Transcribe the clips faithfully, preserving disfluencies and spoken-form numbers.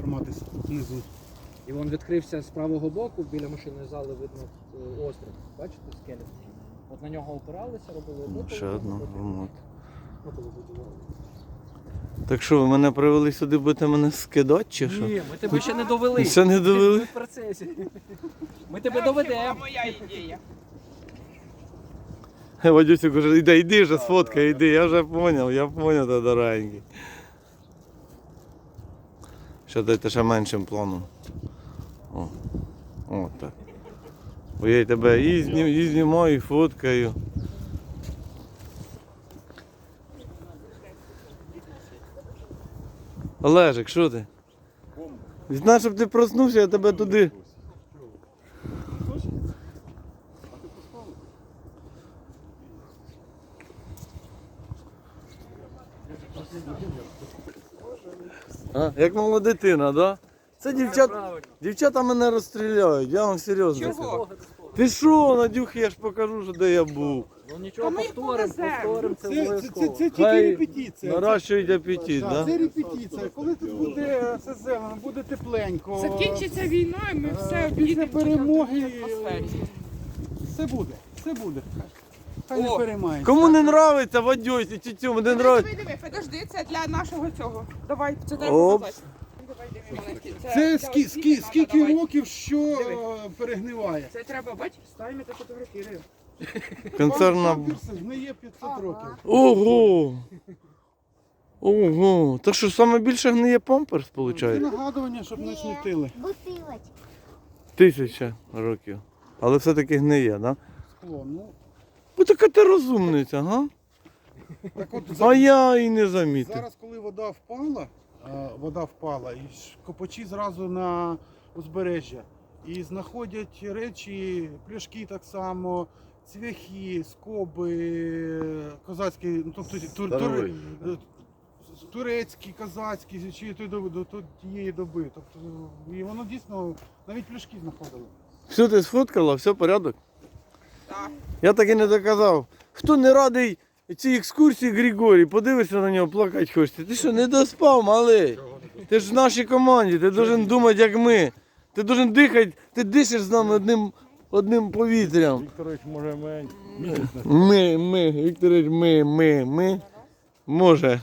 підніматися внизу. І він відкрився з правого боку, біля машинної зали видно е, острів. Бачите, скелет? От на нього опиралися, робили роботу. Ще одна гармата. Роботу будували. Так що, ви мене привели сюди, будете мене скидати чи що? Ні, ми тебе ще не довели. Ще не довели? Ми в процесі. Ми тебе доведемо. Моя ідея. Вадюсик каже, іди, іди вже, сфоткай, іди, я вже зрозумів, я зрозумів, ти дорогенький. Ще дайте ще меншим планом. О, о так. Бо я тебе і, знім, і знімаю, і фоткаю. Олежик, що ти? Знаєш, щоб ти проснувся, я тебе туди. А, як мала дитина, да? Це дівчат, дівчата мене розстріляють, я вам серйозно Чого? кажу. Ти що, Надюхи, я ж покажу, що де я був. Ну нічого, Та ми їх повторимо, повеземо. повторимо, це Це, це, це, обов'язково. це тільки Хай репетиція. наращують апетит, Так, да? це репетиція. Коли тут буде все зелено, буде тепленько. Закінчиться війна, і ми все Е, Після об'їдемо перемоги в атмосфері. все буде, все буде. Хай не О, переймається. Кому не нравиться, Вадюсі, чи цьому не нравиться? Диви, диви, подожди, це для нашого цього. Давай, це дай Оп. показати. Давай, диви, маленький. Це для скі, освіти скі, надо, скільки давай. років, що Диви. е, перегниває. Це треба, бач, ставимо та фотографіруємо. Концерна. Памперси гниє п'ятсот років. Ого! Ого! Так що саме більше гниє памперс, Це виходить? нагадування, щоб не смітили. Бутилочка. Тисяча років. Але все-таки гниє, да? Скло. Ну, Бо така ти розумниця, га? так от А за- я і не замітив. зараз, коли вода впала, е, вода впала, і ж копачі зразу на узбережжя. І знаходять речі, пляшки так само, цвяхи, скоби, козацькі, ну, тобто тур, тур, е, турецькі, козацькі, чи той доби, до до тієї доби. Тобто, і воно дійсно, навіть пляшки знаходили. Все ти сфоткала, все порядок? Так. Я так і не доказав. Хто не радий цій екскурсії, Григорій, подивишся на нього, плакати хочеться. Ти що, не доспав, малий? Ти ж в нашій команді, ти должен думати, як ми. Ти должен дихати, ти дишиш з нами одним, одним повітрям. Вікторович, може, ми... Ми, ми, Вікторович, ми, ми, ми. Може.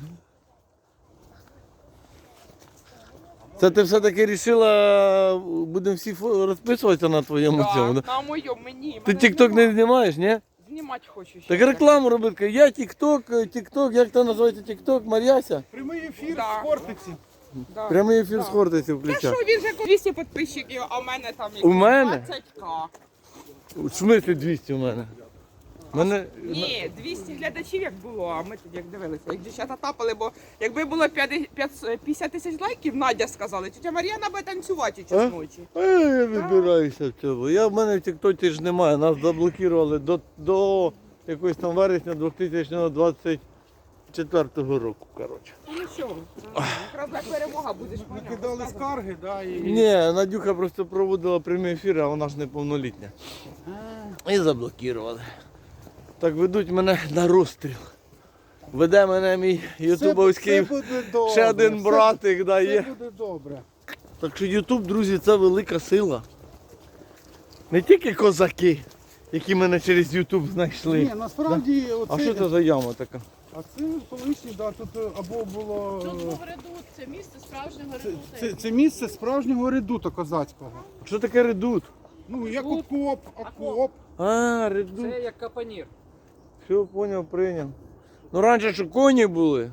Це ти все-таки вирішила, будемо всі фо- розписуватися на твоєму цьому? да? Так, на моєму, мені. Ти мене тік-ток не знімати. знімаєш, ні? Знімати хочу ще. Так рекламу робити. Я тік-ток, тік-ток, як це називається тік-ток, Мар'яся? Прямий ефір Да. з Хортиці. Да. Прямий ефір з Хортиці Та включав. що, він же двісті підписчиків, а в мене там У мене? двадцять ка. В смислі двісті у мене? Мене... Ні, двісті глядачів як було, а ми тоді як дивилися, як дівчата тапали, бо якби було п'ятдесят тисяч лайків, Надя сказала, тетя Мар'яна буде танцювати А? час ночі. А я вибираюся в цьому. Я в мене в тіктокі ж немає. Нас заблокували до, до якогось там вересня дві тисячі двадцять четвертого року. Коротше. Ну нічого, якраз як перемога будеш Накидали поняв. скарги, да, і... Ні, Надюха просто проводила прямий ефір, а вона ж неповнолітня. І заблокували. Так ведуть мене на розстріл. Веде мене мій ютубовський Все буде добре, ще один все- братик да, Все є. буде добре. Так що Ютуб, друзі, це велика сила. Не тільки козаки, які мене через Ютуб знайшли. Ні, насправді, А оце, що це за яма така? а це колишній, да, тут е, або було... Тут був редут, це місце справжнього Це, редута. це, це місце справжнього редута козацького. Що таке редут? Ну, як окоп, окоп. А, редут. Це як капонір. Все, поняв, прийняв. Ну раніше що коні були.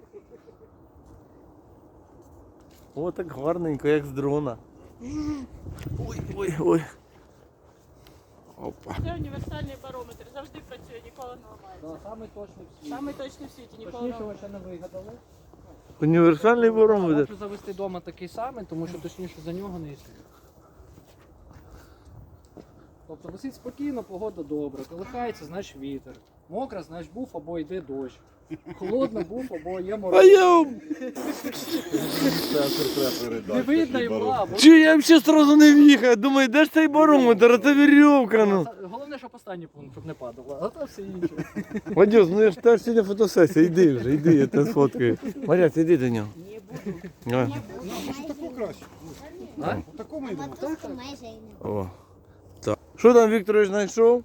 О, так гарненько, як з дрона. Ой, ой, ой. Опа. Це універсальний барометр, завжди працює, ніколи не ламається. Да, саме точний в світі. Саме точний в світі, ніколи не Точніше ви ламається. ще не вигадали. Універсальний барометр. Можу завести вдома такий самий, тому що точніше за нього не існує. Тобто висить спокійно, погода добра, колихається, значить вітер. Мокро, значить був або йде дощ. Холодно був або є А мороз. я... Не видно і мла. бо- Чи я взагалі одразу не в'їхав? Думаю, де ж цей барометр, а це вірьовка, ну. Головне, щоб останній пункт, щоб не падало, а то все інше. Вадюс, ну я ж теж сьогодні фотосесія, йди вже, йди, я тебе сфоткаю. Мар'ясь, іди до нього. Ой. Таку краще. А? В такому йдемо. Мотузку майже і не О. Так. Що там Вікторович знайшов?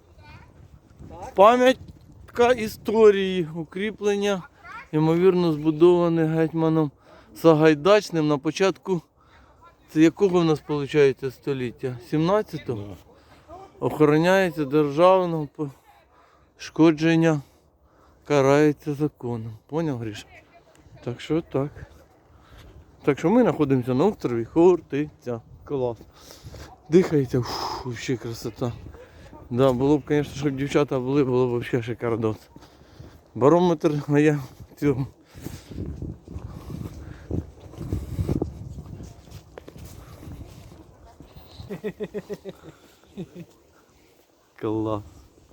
Пам'ятка історії, укріплення, ймовірно, збудоване гетьманом Сагайдачним на початку, це якого в нас виходить століття? сімнадцятого? Охороняється державного пошкодження, карається законом. Поняв, Гріша? Так що так. Так що ми знаходимося на острові Хортиця. Клас. Дихається, ух, взагалі красота. Да, було б, звісно, щоб дівчата були, було б взагалі шикардос. Барометр є цього. Клас.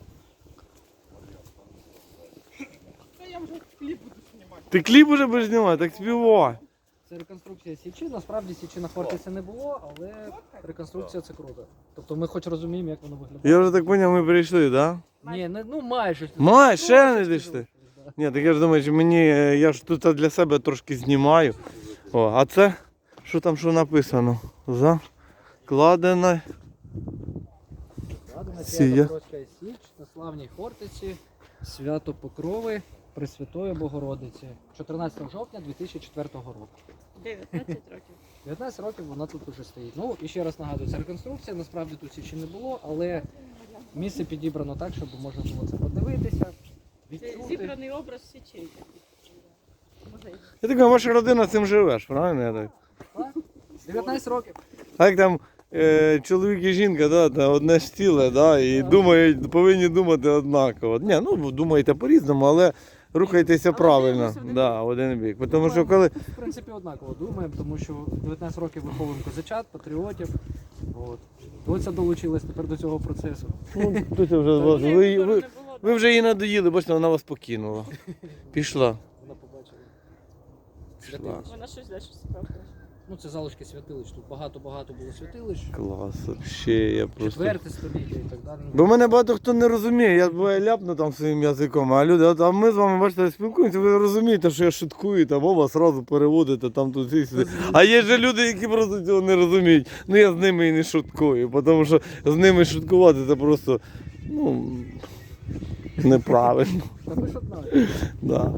Та я вже кліп буду знімати. Ти кліп уже будеш знімати, так співай. Це реконструкція Січі. Насправді Січі на фортеці не було, але реконструкція це круто. Тобто ми хоч розуміємо, як воно виглядає. Я вже так зрозумів, ми прийшли, так? Да? Ні, не, ну майже. Май, ще не Трошечки дійшли. залишилось, да. Ні, так я ж думаю, що мені, е, я ж тут для себе трошки знімаю. О, а це, що там що написано? Закладена. Складена Сія. Свято-Троцька Січ на славній фортеці Свято Покрови Пресвятої Богородиці чотирнадцятого жовтня дві тисячі четвертого року. дев'ятнадцять років. дев'ятнадцять років вона тут уже стоїть. Ну і ще раз нагадую, це реконструкція, насправді тут січі не було, але місце підібрано так, щоб можна було це подивитися, Це відчути. зібраний образ січей. Музей. Я так думаю, ваша родина цим живеш, правильно? Я так? Так? дев'ятнадцять років. А як там е, чоловік і жінка, да, та одне ж ціле, да, і думають, повинні думати однаково. Ні, ну думаєте по-різному, але рухайтеся Але правильно. дивимося в один Да, в один бік. Тому що коли. В принципі, однаково думаємо, тому що дев'ятнадцять років виховуємо козачат, патріотів. От. Доця долучилась тепер до цього процесу. Ну, тут вже вас- ви, Вибору ви, не було, ви вже її надоїли, бачите, вона вас покинула. Пішла. Вона побачила. Пішла. Вона щось далі цікаве. Ну, це залишки святилищ. Тут багато-багато було святилищ. Клас, ще я просто. Четверте століття і так далі. Бо мене багато хто не розуміє, я буває ляпну там своїм язиком, а люди, от, а ми з вами, бачите, спілкуємося, ви розумієте, що я шуткую, там мова одразу переводите, там тут і сюди. А є ж люди, які просто цього не розуміють. Ну я з ними і не шуткую, тому що з ними шуткувати це просто, ну, неправильно. Та ви ж одна. Да.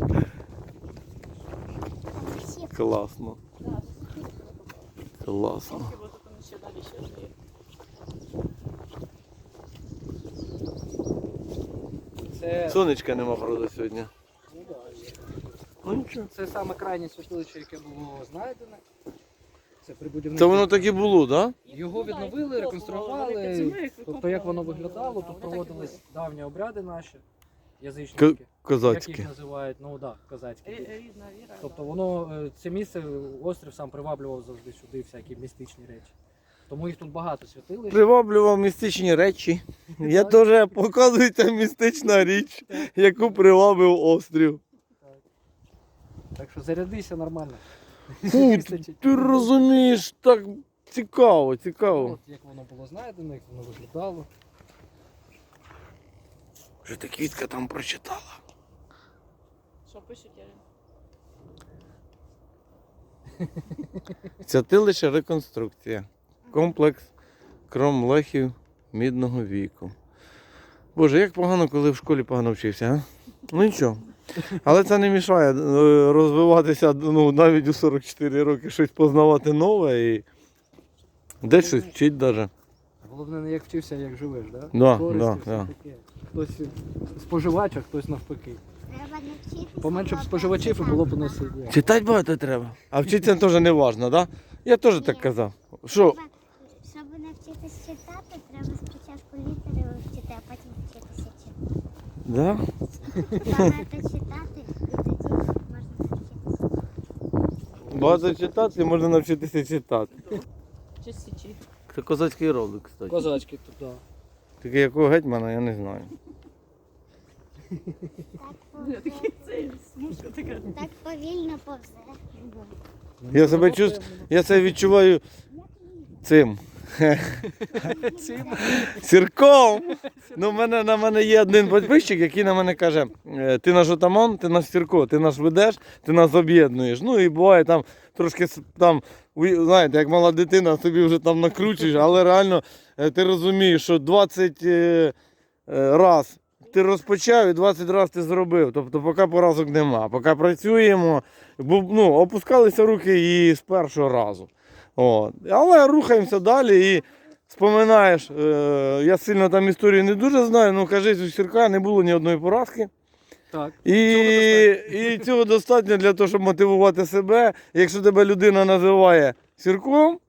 Класно. Класно. Бо тут вони ще далі ще жиє. Це, Сонечка нема, правда, сьогодні. Ну нічого. це саме крайнє святилище, яке було знайдене. Це при будівництві. Це воно так і було, так? Да? Його відновили, реконструювали. Тобто як воно виглядало, тут проводились давні обряди наші, язичники. Як Козацьке. їх називають, ну так, да, козацькі. Рі- Рідна віра. Тобто воно, е, це місце, острів сам приваблював завжди сюди всякі містичні речі. Тому їх тут багато святилищ. Приваблював містичні речі. Я теж показую, ця містична річ, яку привабив острів. Так що зарядися нормально. Фу, Вистачить. ти розумієш, так цікаво, цікаво. От як воно було знайдено, як воно виглядало. Вже та квітка там прочитала. Що пишуть, Ярин? Святилище реконструкція. Комплекс кромлехів мідного віку. Боже, як погано, коли в школі погано вчився, а? Ну нічого. Але це не мішає е, розвиватися, ну, навіть у сорок чотири роки щось познавати нове і десь щось вчить навіть. Головне не як вчився, а як живеш, да? Да, Користі, да, все да. таке. Хтось споживач, а хтось навпаки. Треба навчитися. Поменше б споживачів і було б у нас ідея. Читати багато треба. А вчитися теж не важливо, так? Да? Я теж так казав. Що? Треба- Щоб навчитися читати, треба спочатку літери вивчити, а потім вчитися читати. Да? Багато читати, і тоді можна навчитися. Багато читати, можна навчитися читати. Чи січі? Це козацький ролик, кстати. Козацькі тут, так. Тільки якого гетьмана, я не знаю. Так, Я повзе, такий цей смужка така. так повільно повзе. Я себе чувствую, я себе відчуваю цим Цим. Сірком. Ну, в мене, на мене є один підписчик, який на мене каже, «Е, ти наш отаман, ти наш Сірко, ти нас ведеш, ти нас об'єднуєш. Ну і буває там трошки с- там, ви знаєте, як мала дитина, собі вже там накручуєш, але реально е, ти розумієш, що двадцять е, е, раз ти розпочав і двадцять раз ти зробив. Тобто поки поразок нема. Поки працюємо, бо, ну, опускалися руки і з першого разу. От. Але рухаємося далі і споминаєш, е, я сильно там історію не дуже знаю, ну кажись, у Сірка не було ні одної поразки. Так. І, і цього достатньо для того, щоб мотивувати себе. Якщо тебе людина називає Сірком,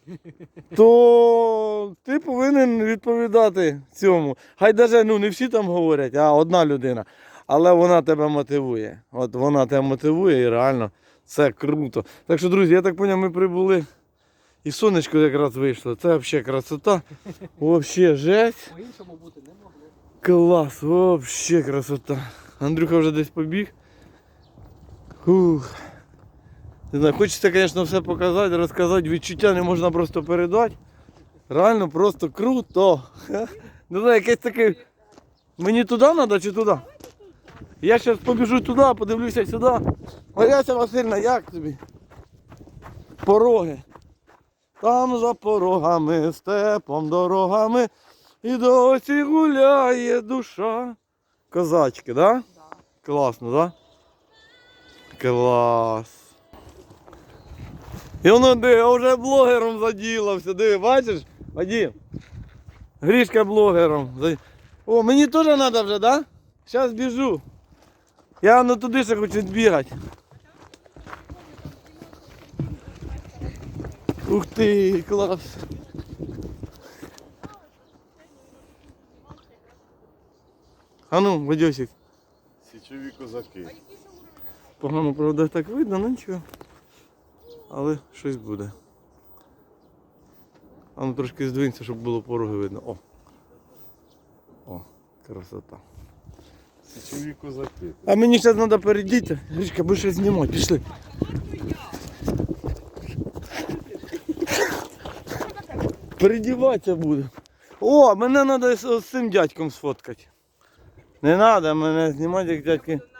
то ти повинен відповідати цьому. Хай навіть ну, не всі там говорять, а одна людина. Але вона тебе мотивує. От вона тебе мотивує і реально це круто. Так що, друзі, я так зрозумів, ми прибули. І сонечко якраз вийшло. Це взагалі красота. Взагалі жесть. По-іншому бути не могло. Клас, взагалі красота. Андрюха вже десь побіг. Фух. Не знаю, хочеться, звісно, все показати, розказати. Відчуття не можна просто передати. Реально просто круто. Не знаю, якесь таке. Мені туди треба чи туди? Я зараз побіжу туди, подивлюся сюди. Мар'яся Васильівна, як тобі? Пороги. Там за порогами, степом, дорогами, і досі гуляє душа. Козачки, да? Да. Класно, да? Клас. І воно диви, вже блогером заділився, диви, бачиш? Вадим, Грішка блогером. за- О, мені теж треба вже, да? Зараз біжу. Я ну туди ще хочу бігати. Ух ти, клас. А ну, Вадьосик. Січові козаки. Погано, правда, так видно, ну нічого. Але щось буде. А ну трошки здвинься, щоб було пороги видно. О! О, красота. Січові козаки. А мені зараз треба перейдіти. Гришка, будеш щось знімати, пішли. Передіватися буду. О, мене треба з, з цим дядьком сфоткати. Не треба мене знімати, як дядьки.